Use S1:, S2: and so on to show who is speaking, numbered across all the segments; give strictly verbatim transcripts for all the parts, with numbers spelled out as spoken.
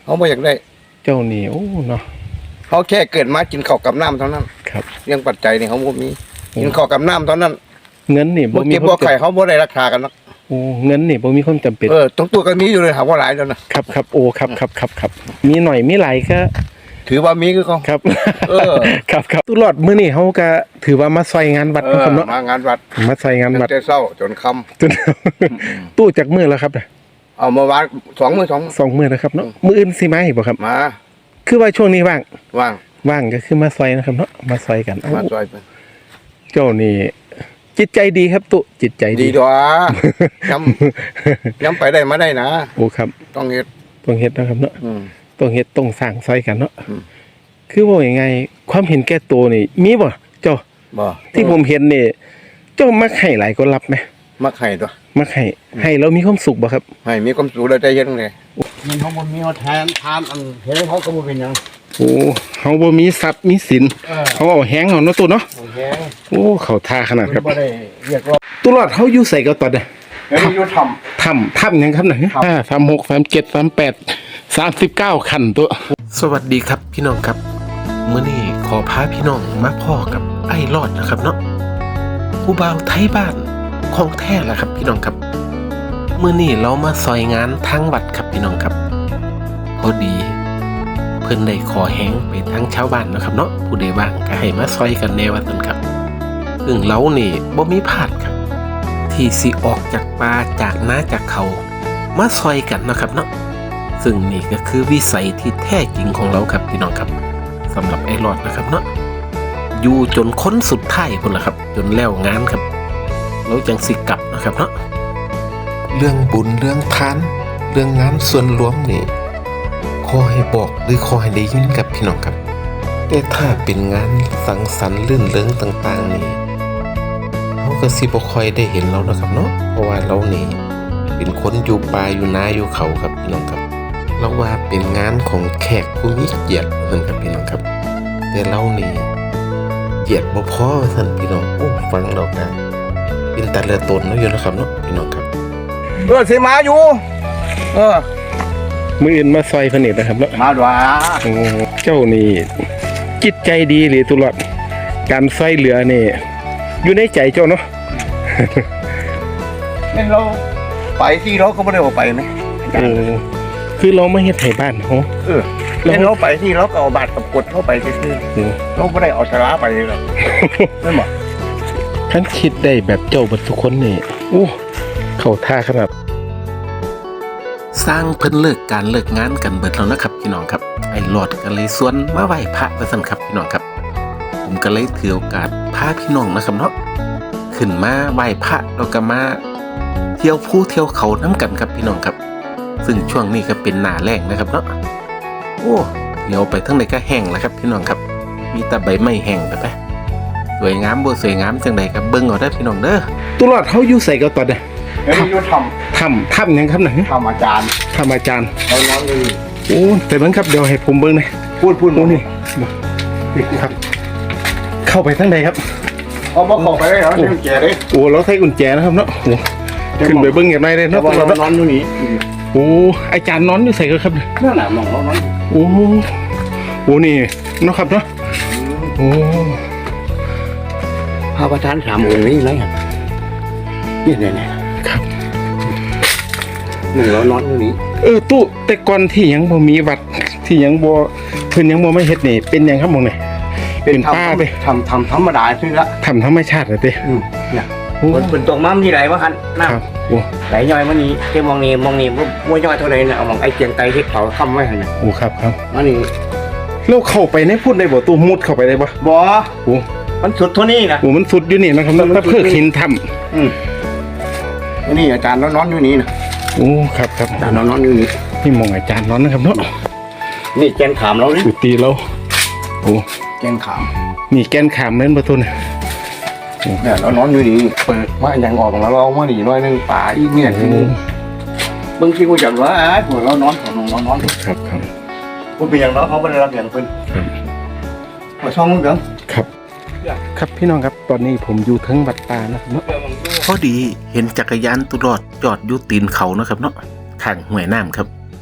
S1: เขาไม่อยากได้
S2: เจ้านี่โอ้เนาะ
S1: เขาแค่เกิดมากินข้าวกับน้ำเท่านั้น
S2: ครับ
S1: เรื่องปัจจัยนี่เขาบ่มีกินข้าวกับน้ำเท่านั้น
S2: เงินนี่
S1: บ่มีบ่ไข่เขาบ่ได้ราคากันหรอก
S2: โอ้เงินนี่บ่มีความจำเป็น
S1: เออตรงตัวก็มีอยู่เลยหาว่าหลายแล้ว
S2: นะครับครับโอ้ครับครับครับครับมีหน่อยมีหลายก็
S1: ถือว่ามีคือเขา
S2: ครับเออครับครับตุลอดมื้อนี้เฮาก็ถือว่ามาซอยงานวัดนะครับเนาะ
S1: มางานวัด
S2: มาซอยงานวัด
S1: แต่เช้าจนค่ำ
S2: จนตู้จักมื้อแล้วครับ
S1: เอาเมื่อวานสองมื้อสอง
S2: สองมื้อนะครับเนาะมื้ออื่นสิมาอีกบ่ครับ
S1: มา
S2: คือว่าช่วงนี้ว่าง
S1: ว่าง
S2: ว่างก็คือมาซอยนะครับเนาะมาซอยกัน
S1: มาซอยเพิ่น
S2: เจ้านี่จิตใจดีครับตุจิตใจ
S1: ดีดีด้ย้ำย้ำไปได้มาได้นะ
S2: โอ้ครับ
S1: ต้องเฮ็ด
S2: ต้องเฮ็ดนะครับเนาะต้องเฮ็ดต้องสร้างซอยกันเนาะคือว่ายังไงความเห็นแก่ตัวนี่มีบ่เจ้า
S1: บ่
S2: ที่ผมเห็นนี่เจ้ามักให้หลายก็รับไหม
S1: มักให้ตัว
S2: มักให้ให้แล้วมีความสุขบ่ครับ
S1: ให้มีความสุขแล้วใจเย็นเลยมันเขาบ่มีเขาแทนทานอันเห็นเขาก็บ่เป็นหยัง
S2: โอ้เขาบ่มีทรัพย์มีสินเขาเอาแห้งเอาเนาะตัวเนาะ
S1: แห้ง
S2: โอ้เขาท่าขนาดครับ
S1: บ่ได้เรียกว่า
S2: ตุลอดเขาอยู่ใส่ก็ตอนน่ะ
S1: อยู่ทำ
S2: ทำทำยังครับไหนห้าสามหกสามเจ็ดสามแปดสามสิบเก้าคันตัวสวัสดีครับพี่น้องครับมื้อนี้ขอพาพี่น้องมาพ่อกับไอ้รอดนะครับเนาะผู้บ่าวไทยบ้านของแท้แหละครับพี่น้องครับมื้อนี้เรามาซอยงานทางวัดครับพี่น้องครับพอดีเพิ่นได้ขอแห้งไปทั้งชาวบ้านนะครับเนาะผู้ใดว่างก็ให้มาซอยกันแน่ว่าซั่นครับซึ่งเรานี่บ่มีพลาดครับที่สิออกจากป่าจากนาจากเขามาซอยกันนะครับเนาะซึ่งนี่ก็คือวิสัยที่แท้จริงของเราครับพี่น้องครับสำหรับไอ้รอดนะครับเนาะอยู่จนค้นสุดท้ายพุ่นละครับจนแล้วงานครับเราจังสิกลับนะครับเนาะเรื่องบุญเรื่องทานเรื่องงานส่วนรวมนี่ขอให้บอกหรือขอให้ได้ยินกับพี่น้องครับแต่ถ้าเป็นงานสังสรรค์ลื่นเริงต่างๆนี่เขาก็สิบ่ค่อยได้เห็นเรานะครับเนาะเพราะว่าเรานี่เป็นคนอยู่ป่าอยู่นาอยู่เขาครับพี่น้องครับเราว่าเป็นงานของแขกผู้มีเกียรติเหมือนกับพี่น้องครับแต่เรานี่เกียรติบ่พอท่านพี่น้องโอ้ฟังเรากันเป็นแต่ละตนเนาะอยู่นะครับเนาะพี่น้องครับ
S1: เออสิมาอยู่เออ
S2: มืออื่นมาซอยผนิตนะครับเนาะ
S1: มาด้วย
S2: โอ้เจ้านี่จิตใจดีหรือตุลอดการซอยเหลือนี่อยู่ในใจเจ้าเนาะ
S1: นี่เราไปที่เราก็ไม่ได้ออกไปไหม
S2: เออคือเราไม่เฮ็ดไถบ้านเขา
S1: เออแล้วเราไปที่เราก็เอาบาดกับกดเข้าไปซื่อๆเราไม่ได้เอาชลาไปเลยหรอกนั่นหรอ
S2: ท่านคิดได้แบบเจ้าบัดทุกคนนี่โอ้เขาท่าขนาดสร้างเพิ่นเลิกการเลิกงานกันเบิดแล้วนะครับพี่น้องครับไอ้หลอดก็เลยสวนมาไหว้พระว่าซั่นครับพี่น้องครับผมก็เลยถือโอกาสพาพี่น้องนะครับเนาะขึ้นมาไหว้พระแล้วก็มาเที่ยวภูเที่ยวเขาน้ำกันครับพี่น้องครับซึ่งช่วงนี้ก็เป็นหน้าแล้งนะครับเนาะโอ้เดี๋ยวไปทั้งไหนก็แห้งแล้วครับพี่น้องครับมีแต่ใบไม้แห้งไปไปสวยงามบ่สวยงามจังใดครับเบิ่งเอาได้พี่น้องเด้อตุลอดเฮาอยู่ใส่ก็ตอนเด้
S1: ออยู่ทำ
S2: ทำทำยังครับไหน
S1: ทำอาจารย์
S2: ทำอาจารย์
S1: เราน้องเลย
S2: โอ้แต่เบิ่งครับเดี๋ยวให้ผมเบิ่งหน่อย
S1: พูดพูด
S2: โอ้นี่ครับเข้าไปทั้งใดครับ
S1: เอาบ่เข้าไปได้เหรอกุญแจเลย
S2: โอ้เราใช้กุญแจนะครับเนาะโอ้ขึ้นไปเบิ่งอย่างไรเลยเนาะ
S1: เรานอนอยู่นี่
S2: โอ้อาจารย์นอนอยู่ใส่ก็ครับ
S1: นั่นน่ะมองเรานอน
S2: โอ้โหนี่เนาะครับเนาะโอ้
S1: พระประธานสามองค์นี้ไรครับนี่เนี่ย
S2: ครับ
S1: หนึ่งเรานอนอยู่นี่
S2: เออตู้แต่ก่อนที่ยังบ่มีวัดที่ยังบ่เพิ่นยังบ่ไม่เฮ็ดนี่เป็นยังครับมองนี่เป็นป่าเด้
S1: ทำทำธรรมดาซื่อละ
S2: ทำธรรมชาติเลยเด้
S1: อืมเนี่ยมันเป็นตรงม้ามีไหลวะคันน้ำโอ้ไหลย่อยมันนี่เจ้ามองนี่มองนี่ว่าย่อยเท่าไหร่เนี่ยเอามองไอ้เกียงไตที่เขาค้ำไว้ให้เนี่ย
S2: โอ้ครับครับ
S1: มันนี่
S2: เราเข้าไปในพูดได้บ่ตู้มุดเข้าไปได้บ่
S1: บ่
S2: โอ้
S1: มันสุดเท่านี้นะ
S2: โอ้มันสุดอยู่นี่นะครับถ้าเพื่อหินทำ
S1: อืมนี่อาจารย์นอนอยู่นี่นะ
S2: โอ้ครับครับ
S1: อาจารย์นอนอยู่นี่
S2: นี่มองอาจารย์นอนนะครับเนาะ
S1: นี่แกนขามเราเนี่ย
S2: สุดตีเราโอ้
S1: แกนขาม
S2: นี่แกนขามเล่นประตูเนี่ย
S1: เนี่ยเรานอนอยู่นี่เปิดว่าอย่างออกแล้วเรามาหนีน้อยนึงป่าอีกเนี่ยบางทีกูจับว่าไอ้พวกเรานอนของนอนนอน
S2: ครับครับ
S1: กูเป็นอย่างเราเขาไม่ได้รับอย่างเพิ่นมาช่องมึงเด้อ
S2: ครับครับพี่น้องครับตอนนี้ผมอยู่ทั้งวัดป่านะครับเนาะพอดีเห็นจักรยานตุลอดจอดอยู่ตีนเขานะครับเนาะข้างห้วยน้ำครับ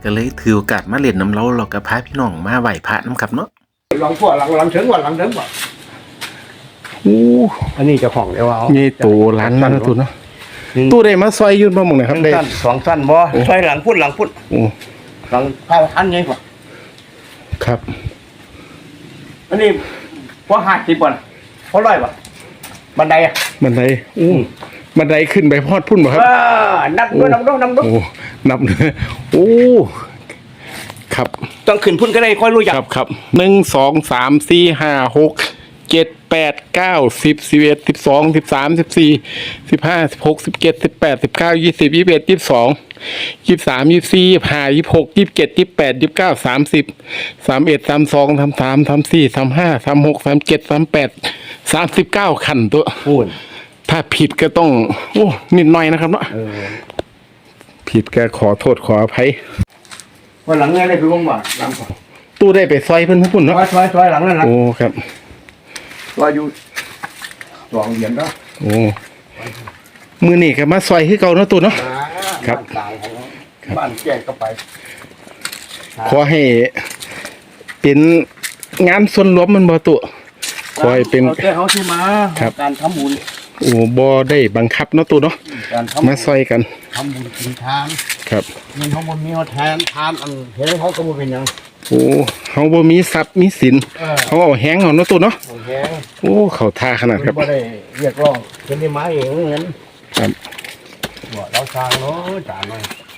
S2: ก็เลยถือโอกาสมาเล่นน้ำเราเราก็พาพี่น้องมาไหว้พระน้ำครับเนาะ
S1: หลังขั้วหลังหลังถึงก่อนหลังถึงก่อน
S2: โอ้
S1: อันนี้เจ้าของเดี๋ยวเอา
S2: นี่ตู้ร้านนั่นนะตู้เนาะตู้ได้มาซอยยืนมาหมองไหนครับได้
S1: สั้นสองสั้นบ่ใช่หลังพุ่นหลังพุ่น
S2: โอ้
S1: หลังข้าวทันไงก่อน
S2: ครับ
S1: อันนี้พอห้าสิบก่อนพอร้อยป่ะบันไดอ่ะ
S2: บันไดโอ้บันไดขึ้นไปพอดพุ่นบ่ครับ
S1: อ่านับด้วยนับด้วยนับด้วย
S2: โอ้นับเลยโอ้ครับ
S1: ต้องขึ้นพุ่นก็ได้ค่อยรู้จัก
S2: ครับครับหนึ่งสองสามสี่ห้าหกเจ็ดแปดเก้าสิบสิบเอ็ดสิบสองสิบสามสิบสี่สิบห้าสิบหกสิบเจ็ดสิบแปดสิบเก้ายี่สิบยี่สิบเอ็ดยี่สิบสองยี่สิบสามยี่สิบสี่ยี่สิบห้ายี่สิบหกยี่สิบเจ็ดยี่สิบแปดยี่สิบเก้าสามสิบสามเอ็ดสามสองสามสามสามสี่สามห้าสามหกสามเจ็ดสามแปดสามสิบเก้าขันตัว
S1: พูน
S2: ถ้าผิดก็ต้องโอ้นิดหน่อยนะครับเนาะ
S1: เออ
S2: ผิดก็ขอโทษขออภัย
S1: วันหลังไงได้คือวงบ่าหลังก่อน
S2: ตู้ได้ไปซอยเพิ่นพุ่น
S1: ซ
S2: เนาะ
S1: อยซอยซอยหลังนั่นนะ
S2: โอ้ครับ
S1: ซอยอยู่สองเหรียญเนาะ
S2: โอ้มือนี่ก็มาซอยคือเก่าเนาะตู้เนาะ ครับ
S1: บ้านกลางของบ้านแจ้งก็ไป
S2: ขอให้เป็นงานส่วนรวมมันบ่ตัวขอให้เป็น
S1: อาแต่เขาที่มา
S2: ครับ
S1: การทำบุญ
S2: โอ้บ่ได้บังคับเนาะตัวเนาะ
S1: การทำบุ
S2: มา
S1: ญ
S2: ซอยกัน
S1: ทำบุญกินทาน
S2: ครับ
S1: เงินเขาบนมีเขาแทนทานอันเห็นเขาก็บ่เป็นหยัง
S2: โอ้เฮาบ่มีทรัพย์มีสิน
S1: เออ
S2: เฮาเอาแฮงเอาเนาะตัวเนาะ
S1: โอเค
S2: โอ้เข้าท่าขนาดครับ
S1: บ่ได้เรียกร้องเป็นได้มาเองเงิน
S2: ครับ
S1: บ่เราสร้างเนาะจานหน่อย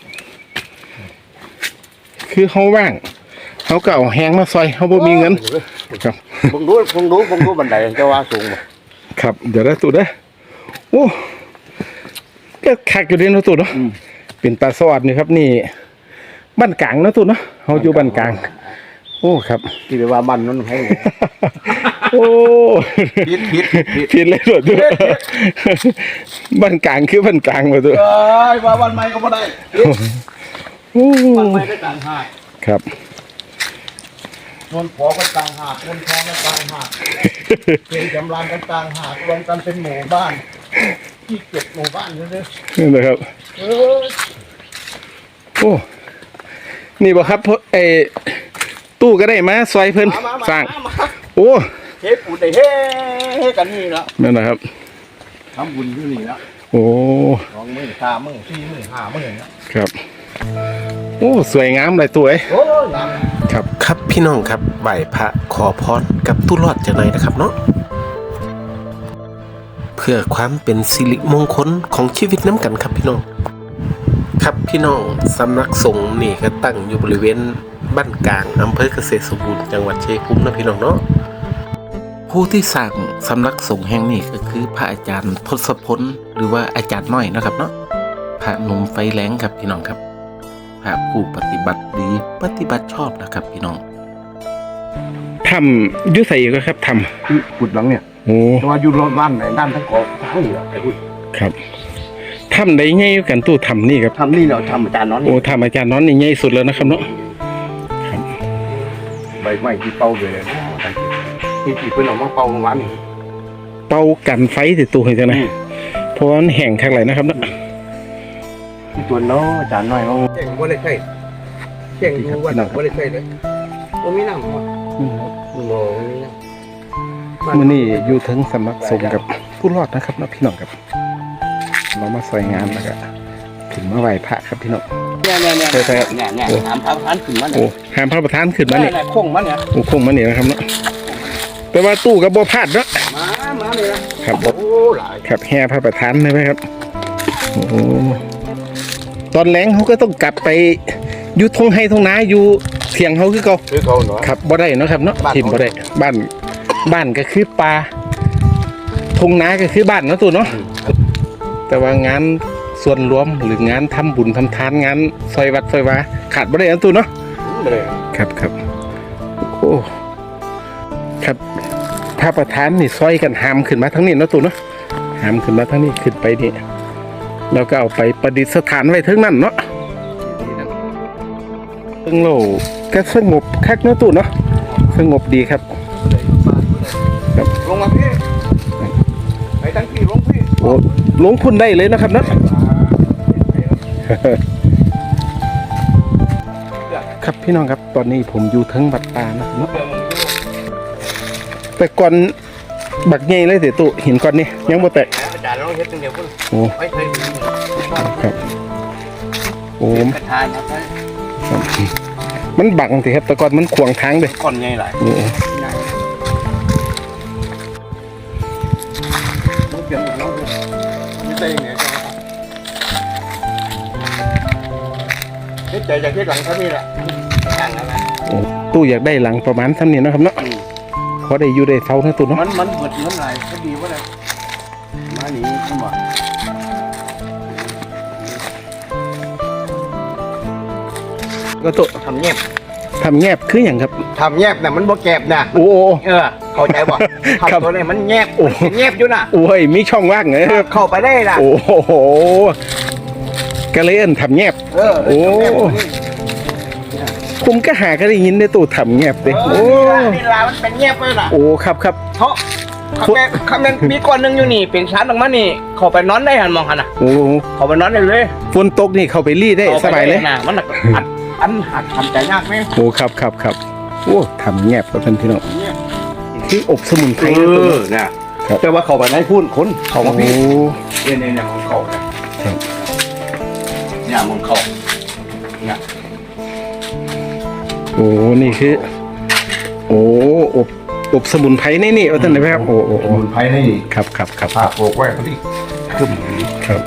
S2: คือเฮาว่างเฮาก็เอาแฮงมาซอยเฮาบ่มีเงินครับ
S1: ผมดูผมดูผมดูบันไดจะว่าสูงบ่
S2: ครับเดี๋ยวได้ตัวเด้อโอ้ก็คักอยู่เด้เนาะตัวเนาะเป็นตาสวัสดนี่ครับนี่บ้านกลางเนาะตัวเนาะเฮาอยู่บ้านกลาง โอ้ครับ
S1: ที่เรียกว่ามันนั่นให้
S2: โอ้
S1: ผิดผิดผิด
S2: ผิดเลยตัวตัวบ้านกลางคือบ้านกลางมาตัว
S1: เอ้ยว่าวันใหม่ก็บ่ได้ผิด
S2: โอ้
S1: วันใหม่ได้ต่างหาก
S2: ครับ
S1: นวลขอกันต่างหากนวลทองกันต่างหากเป็นจำรานกันต่างหากรวมกันเป็นหมู่บ้านที่เก็บหมู่บ้านเด้อ
S2: นี่นะครับ
S1: เออ
S2: โอ้นี่บ่ครับเพราะไอ้ตู้ก็ได้มาซอยเพิ่น
S1: มามามา
S2: สร้าง
S1: มา
S2: โอ้
S1: เฮ็ดปูได้เฮ้กันนี่ละ
S2: นั่นนะครับ
S1: ทำบุญอยู่นี่ละ
S2: โอ้
S1: สองมื้อสามมื้อสี่มื้อห้ามื้อเนี่ย
S2: ครับโอ้สวยงามเลยตัวเอ้ย
S1: โอ้ยงาม
S2: ครับครับพี่น้องครับไหว้พระขอพรกับตู้รอดจากไหนนะครับเนาะเพื่อความเป็นสิริมงคลของชีวิตน้ำกันครับพี่น้องครับพี่น้องสำนักสงฆ์นี่ก็ตั้งอยู่บริเวณบ้านกลางอำเภอเกษตรสมบูรณ์จังหวัดชัยภูมินะพี่น้องเนาะผู้ที่สร้างสำนักสงฆ์แห่งนี้ก็คือพระอาจารย์ทศพลหรือว่าอาจารย์น้อยนะครับเนาะพระหนุ่มไฟแรงครับพี่น้องครับพระผู้ปฏิบัติดีปฏิบัติชอบนะครับพี่น้องทำยุใส่ก็ครับท
S1: คือกุดหลังเนี่ย
S2: ำโอ้
S1: แต่ว่าอยู่รอบบ้านไหนด้านทั้งเกาะทั้งเหนือไอ้กุด
S2: ครับทำได้ไงกันตู้ทำนี่ครับ
S1: ทำนี่เราทำอาจารย์น้อนนี่
S2: โอ้ทำอาจารย์น้อนนี่ใหญ่สุดแล้วนะครับเนาะ ครับ
S1: ใบไม้ที่เป่าเลยนะที่ที่เพิ่นเอามาเป่าเมื่อวานนี่
S2: เป่ากันไฟติดตัวเห็นจังนะเพราะว่ามันแห้งข้างไหลนะครับเนาะ
S1: ที่ตัวเนาะอาจารย์น้อยเขาแจ้งบ่ได้ใช่แจ้งอยู่ว่าบ่ได้ใช่เลยบ่มีน้ำบ่บ่มีน้ำ
S2: มื่อนี้อยู่ถึงสำนักสงฆ์กับผู้รอดนะครับเนาะพี่น้องครับ เรามาซอยงานแล้วก็ถึงมาไหว้พระครับพี่น้อง
S1: เนี่ยเนี่ยเนี่ย
S2: ใช่ใช่
S1: เนี่ยเนี่ยถามพระท่านขึ้นมา
S2: โอ้
S1: เนี่ย
S2: หามพระประธานขึ้นมานี่
S1: เนี่ยโค้งมาเนี่ย
S2: โอ้คงมานี่นะครับเนาะแต่ว่าตู้กับบ่พลาดเนาะ
S1: มามาเลยนะครับ โอ้หลาย
S2: ครับแห่พระประธานเลยไหมครับโอ้โหตอนแรงเขาก็ต้องกลับไปอยู่ทงไฮทงนาอยู่เถียงเขาคือเก่า
S1: คือเขาเนาะ
S2: ครับบ่ได้เนาะครับเนาะ
S1: บ้าน
S2: ทิมบ่ได้บ้านบ้านก็คือป่าทงนาก็คือบ้านเนาะตัวเนาะแต่ว่างานส่วนรวมหรืองานทำบุญทำทานงานซอยวัดซอยวาขาดบ่ได้เนาะตัวเนาะ
S1: บ่ได้
S2: ครับครับโอ้ครับพระประธานนี่ซอยกันหามขึ้นมาทั้งนี้เนาะตัวเนาะหามขึ้นมาทั้งนี้ขึ้นไปนี่แล้วก็เอาไปประดิษฐานไว้ทั้งนั้นเนาะซึ่งโลกก็สงบคักเนาะตัวเนาะสงบดีครับ
S1: ลงมาพี่ไปตั้งที่ลงพี่
S2: โอ้ลงพุ่นได้เลยนะครับเนาะครับพี่น้องครับตอนนี้ผมอยู่ทั้งบัดตานะเนาะแต่ก่อนบักใหญ่เลยเสียตุหินก่อนนี่ยังบ่แตก
S1: อาจารย์เราเฮ็ดตั้งเดียวพุ่น
S2: โอ้
S1: ไม่เคยมี
S2: ครับโอ้
S1: กระทายครับ
S2: ครับมันบังสิครับแต่ก่อนมันขวางทางเลย
S1: ก่อนใหญ่หลาย
S2: โอ้
S1: ต้องเปลี่ยนหมดแล้วไม่ใช่ยังไงเฮ็ดใจจากเฮ็ดหลังเท่านี้แหละหลังแล้วนะ
S2: โอ้ตู้อยากได้หลังประมาณซ้ำนี้เนาะครับเนาะพอได้อยู่ได้เท่านะตู้เนาะ
S1: มันมันเบิดเงินหลายก็ดีว่าเลยมาหนีขึ้นมา
S2: ก็ตู้
S1: ทำเงียบ
S2: ทำแงบคืออย่างครับ
S1: ทำเงียบน่ะมันบ่แก็บน่ะ
S2: โอ้
S1: เออเข้าใจบ่
S2: ครับ
S1: ทำตัวนี้มันแงบ
S2: โอ้
S1: มันแงบอยู่น่ะ
S2: โอ้ยมีช่องว่างเหรอ
S1: เข้าไปได้ล่ะ
S2: โอ้โหก็เลยเอิ้นทำแงบ
S1: เออ
S2: โอ้ ผมก็หาก็ได้ยินในตู้ทำแงบเลย
S1: โอ้
S2: โอ้
S1: นี่ล่ะมันเป็นแงบเลยล่ะ
S2: โอ้ครับครับ
S1: เขาเขาแม่เขาแม่มีก้อนหนึงอยู่นี่เป็นชั้นออกมานี่เข้าไปนอนได้หันมองหันน่ะ
S2: โอ้
S1: เข้าไปนอนได้เลย
S2: ฝนตกนี่เข้าไปรีดได้
S1: ข้
S2: ส
S1: ไป
S2: บายเลย
S1: น่ะมันน่ะอัดอันหักทำใจยากไหม
S2: โอ้ครับครับครับโอ้ทำแงบครับท่านพี่น้อง
S1: เนี่ย
S2: คืออบสมุนไพ
S1: เอ
S2: รนะตัว
S1: อ
S2: เนาะ
S1: เนี่ย
S2: ครับ
S1: แต่ว่าเข้าไปในพุ่นคนเข้ามา
S2: โอ้
S1: พี่เนี่ยเนี่ยเนี่ยของเขาเนี่ย
S2: ครับ
S1: เนี่ยของเขาเนี่ย
S2: โอ้นี่คือ โอ้อบอบสมุนไพรนี่นี่เอาท่านไหนครับโอ้โอ้
S1: ส
S2: โอ้
S1: มุนไพรนี่
S2: ครับครับครับ
S1: ฝากโปกไว้พอดีขึ้น
S2: ครับ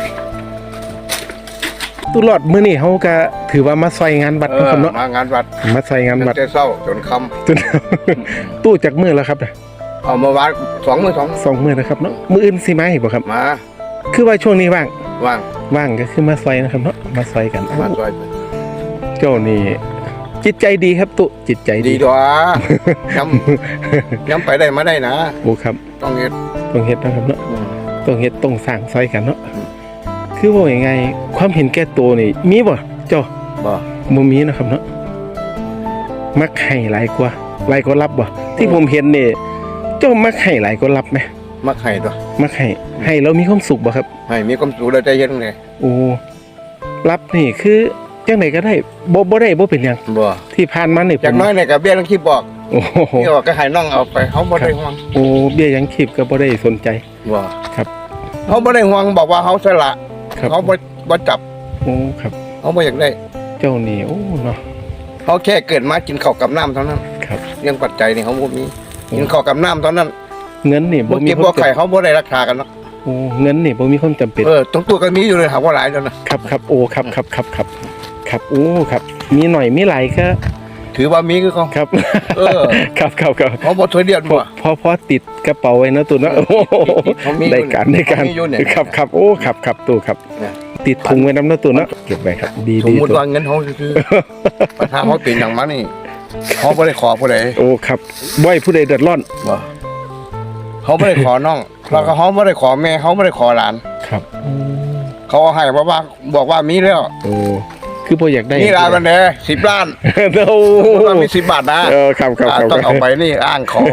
S2: ตุลอดมื้อนี้เขาก็ถือว่ามาซอยงานวัด
S1: เอ
S2: นะ
S1: อ
S2: ครับเนาะ
S1: มางานวัด
S2: มาซอยงานวัด
S1: ตั้งแต่เช้าจนค่
S2: จน ตู้จากมื้อแล้วครับน่ะ
S1: ำเอามาวัดสองมือสอง
S2: สองมื้อนะครับเนาะมื้ออื่นสิมาอีกบ่ครับ
S1: มา
S2: คือว่าช่วงนี้ว่าง
S1: ว่าง
S2: ว่างก็คือมาซอยนะครับเนาะมาซอยกัน
S1: มาซอย
S2: เจ้านี่จิตใจดีครับตุจิตใจ
S1: ดี
S2: ดี
S1: ตัวย้ำย้ำไปได้มาได้นะ
S2: โอ้ครับ
S1: ต้องเฮ็ด
S2: ต้องเฮ็ดนะครับเนาะ
S1: อืม
S2: ต้องเฮ็ดต้องสร้างซอยกันเนาะ
S1: อืม
S2: คือว่ายังไงความเห็นแก่ตัวนี่มีบ่เจ้า
S1: บ่
S2: บ่มีนะครับเนาะมักให้หลายกว่าหลายกว่ารับบ่ที่ผมเห็นนี่เจ้ามักให้หลายกว่ารับไหม
S1: มักให้ตัว
S2: มักให้ให้แล้วมีความสุขบ่ครับ
S1: ให้มีความสุขแล้วใจเย็นเลย
S2: โอ้รับนี่คือจังไดก็ได้บ่บ่ได้บ่เป็นหยัง
S1: บ่
S2: ที่ผ่านมานี่ผ
S1: จาก
S2: ม
S1: น้อยเนี่ยกับเบี้ยทั้งคลิปบอก
S2: โอ้โห
S1: นี่บอกก็ให้น้องเอาไปเขาบ่ได้ห่วง
S2: โอ้เบี้ยยังขีบก็บ่ได้สนใจ
S1: บ่
S2: ครับ
S1: เขาบ่ได้ห่วงบอกว่าเขาสละ
S2: ครับ
S1: เขาบ่บ่จับ
S2: โอ้ครับ
S1: เขาบ่อยากได้
S2: เจ้านี่โอ้เนาะ
S1: เขาแค่เกิดมากินข้าวกับน้ำเท่านั้น
S2: ครับ
S1: เรื่องปัจจัยนี่เขาบ่มีกินข้าวกับน้ำเท่านั้น
S2: เงินนี่บ่
S1: บ่
S2: มี
S1: เก็บ
S2: ควา
S1: บ่
S2: มจำ
S1: ไข่เขาบ่ได้ราคากันเนาะ
S2: โอ้เงินนี่บ่มีความจำเป็น
S1: เออตรงตัวก็มีอยู่เลยหาว่าหลายแล้วนะครับ
S2: ครับโอ้ครับครับครับครับครับโอ้ครับ มีหน่อยมีหลายก็
S1: ถือว่ามีคือเขา
S2: ครับ
S1: เออ
S2: ครับครับครับ
S1: เขาบ่ถอยเดียน
S2: พอ
S1: บ่
S2: พอพอติดกระเป๋าไว้เนาะตัวเนาะโอ้โห
S1: เขามีอยู่
S2: ได้การได้การ
S1: เขามีอยู่เนี่ย
S2: ครับครับโอ้ครับครับตัวครับ
S1: เนี่ย
S2: ติดถุงไว้น้ำเนาะตัวเนาะเก็บไว้ครับ ดี
S1: สม
S2: ดี
S1: มุติ
S2: ตัว
S1: ว่าเงินเขาคือปัญหาเขาเป็นอย่างมานี่เขาบ่ได้ขอผู้ใด
S2: โอ้ครับบ่อยผู้ใดเดือดร้อน
S1: บ่เขาบ่ได้ขอน้องแล้วก็เขาบ่ได้ขอแม่เขาบ่ได้ขอหลาน
S2: ครับ
S1: เขาเอาให้เพราะว่าบอกว่ามีแล้ว
S2: โอ้คือบ่อยากได้
S1: นี่ร้านมันเด้สิบล้าน
S2: โอ้
S1: ว่ามีสิบบาทนะ
S2: เออครับครับ
S1: อ่า
S2: ครับ
S1: ต้องเอาไปนี่อ้างขอ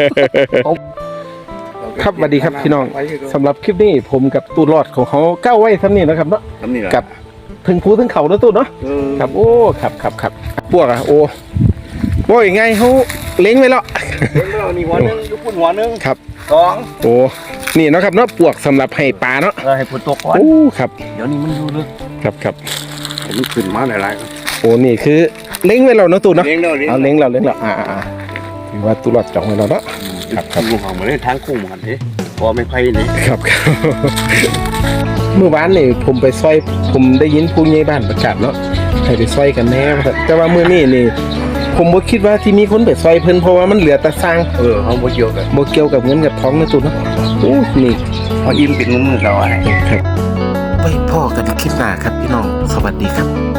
S2: ครับสวัสดีครับพี่น้องสำหรับคลิปนี้ผมกับตู้รอดของเขาก้าวไว้ซ้ำนี่นะครับเนาะ
S1: ทำนี่แหละ
S2: กับถึงภูถึงเขาแล้วตู้เนาะ
S1: เออ
S2: ครับโอ้ครับครับครับพวกอะโอ้โอ้ยไงเขาเล้งไว้แล้ว
S1: เดี๋ยวเรานี่หัวหนึงยุพุ่นหัวหนึง
S2: ครับ
S1: สอง
S2: โอ้นี่เนาะครับเนาะปวกสำหรับให้ปลาเนาะ
S1: เออให้พุ่นตกก่อน
S2: โอ้ครับ
S1: เดี๋ยวนี้มันอยู่ลึก
S2: ครับครับ
S1: ผมขึ้นมาหลายๆครับ
S2: โอ้นี่คือเล้งไว้แล้วเนาะตู้เนาะ
S1: เลี้ยงเด้อเลี้ยง
S2: เอาเล้งเราเล้งเราอ่าอ่าอ่าถือว่าตู้รอดจองไว้แล้วเนาะ
S1: ครับครับลูกของมาเล่นทางคู่เหมือนกันเด้พอไม่ไพ่นี่
S2: ครับครับ เมื่อวานนี่ผมไปซอยผมได้ยินผู้ใหญ่บ้านประกาศเนาะให้ไปซอยกันแน่ว่าแต่ว่ามื้อนี้นี่ ผมบ่คิดว่าที่มีคนไปซอยเพิ่นเพราะว่ามันเหลือแต่สร้าง
S1: เออเขาบ่เกี่ยวกัน
S2: บ่เกี่ยวกับเงินกับทองนะตู้เนาะโอ้นี่
S1: เขาอิ่มเป็นงุ้มเราอะไร
S2: ครับไปพ่อกันคลิปหน้าครับพี่น้องสวัสดีครับ